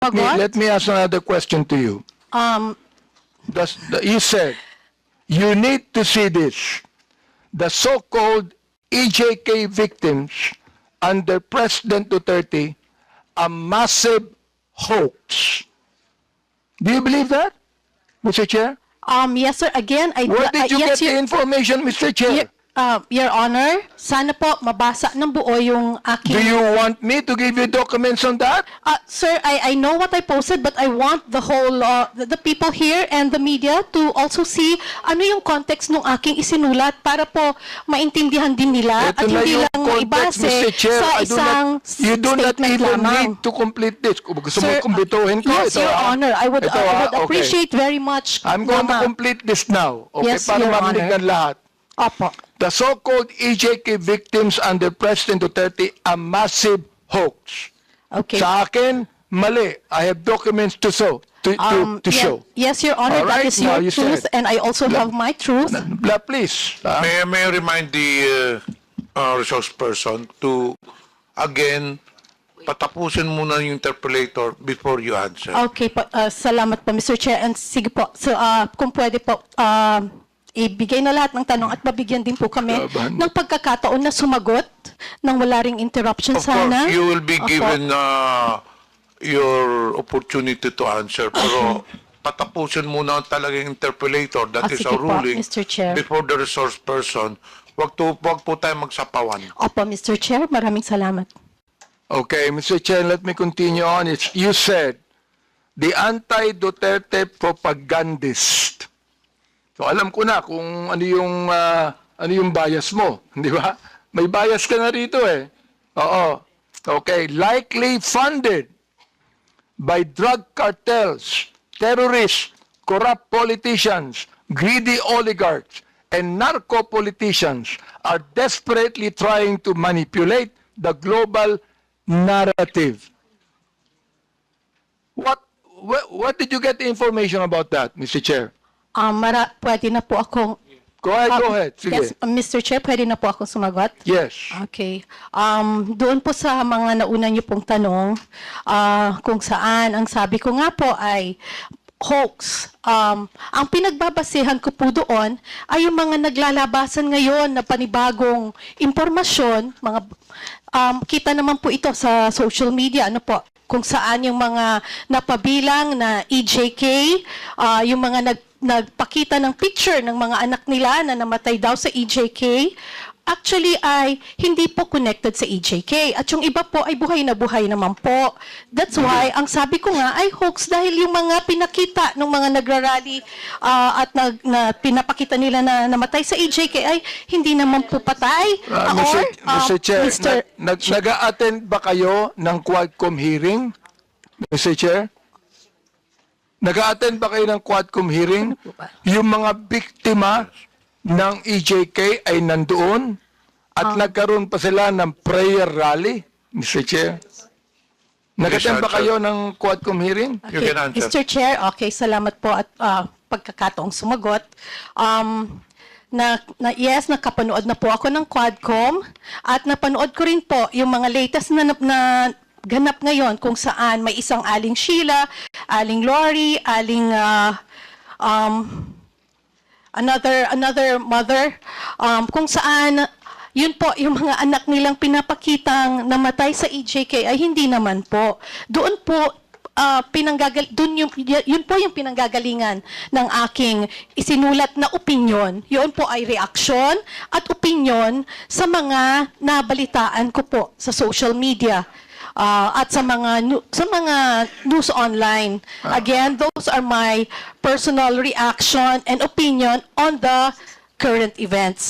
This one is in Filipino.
sumagot. Let me ask another question to you. You said, you need to see this. The so-called EJK victims under President Duterte, a massive hoax. Do you believe that, Mr. Chair? Yes, sir. Again, Where did you yes, get the information, Mr. Chair? Your Honor, sana po mabasa ng buo yung aking... Do you want me to give you documents on that? Sir, I know what I posted, but I want the whole, the people here and the media to also see ano yung context ng aking isinulat para po maintindihan din nila Ito at na hindi yung lang context, maibase Mr. Chair. sa isang You do not statement even lamang. need to complete this. Kung gusto mo Sir, kumpletuhin ko, yes, ito, Your Honor, I would okay. appreciate very much. I'm going to complete this now, okay, Yes, para Your marinig Honor. ng lahat. Opo. The so-called EJK victims under President Duterte, a massive hoax. Okay. Sa akin, mali. I have documents to show. Show. Yes, Your Honor, All right, that is now your you truth, said. and I also have my truth. Please. May I remind the resource person to, again, patapusin muna yung interpolator before you answer. Okay po, salamat po, Mr. Chair. And sige po, so, kung pwede po, ibigay na lahat ng tanong at mabigyan din po kami ng pagkakataon na sumagot nang wala ring interruption Of sana. course, you will be Opo. given your opportunity to answer. Pero patapusin muna talaga yung interpolator. That is sige a po, ruling Mr. Chair. before the resource person. Wag po tayo magsapawan. Opo, Mr. Chair, maraming salamat. Okay, Mr. Chair, let me continue on. You said, the anti-Duterte propagandist. So alam ko na kung ano yung bias mo, di ba? May bias ka na rito eh. Oo. Okay, likely funded by drug cartels, terrorists, corrupt politicians, greedy oligarchs, and narco politicians are desperately trying to manipulate the global narrative. What did you get the information about that, Mr. Chair? Pwede na po akong... Go ahead. Sige. Yes, Mr. Chair, pwede na po akong sumagot? Yes. Okay. Doon po sa mga nauna niyo pong tanong, kung saan, ang sabi ko nga po ay hoax. Ang pinagbabasehan ko po doon ay yung mga naglalabasan ngayon na panibagong impormasyon, kita naman po ito sa social media, ano po, kung saan yung mga napabilang na EJK, yung mga nagpakita ng picture ng mga anak nila na namatay daw sa EJK, actually ay hindi po connected sa EJK. At yung iba po ay buhay na buhay naman po. That's why, ang sabi ko nga ay hoax dahil yung mga pinakita ng mga nagrarally at pinapakita nila na namatay sa EJK ay hindi naman po patay. Mr. Chair, nag-a-attend ba kayo ng Quadcom hearing? Mr. Chair? Nag-a-attend ba kayo ng Quadcom hearing? Yung mga biktima ng EJK ay nandoon at nagkaroon pa sila ng prayer rally, Mr. Chair. Nag-attend ba kayo ng Quadcom hearing? You can answer. Mr. Chair, okay, salamat po at pagkakataong sumagot. Yes, nakapanood na po ako ng Quadcom at napanood ko rin po yung mga latest na ganap ngayon kung saan may isang Aling Sheila, Aling Lori, Aling another mother, kung saan yun po yung mga anak nilang pinapakitang namatay sa EJK ay hindi naman po. Doon po yun po yung pinanggagalingan ng aking isinulat na opinyon. Yun po ay reaksyon at opinyon sa mga nabalitaan ko po sa social media. At sa mga news online. Again, those are my personal reaction and opinion on the current events.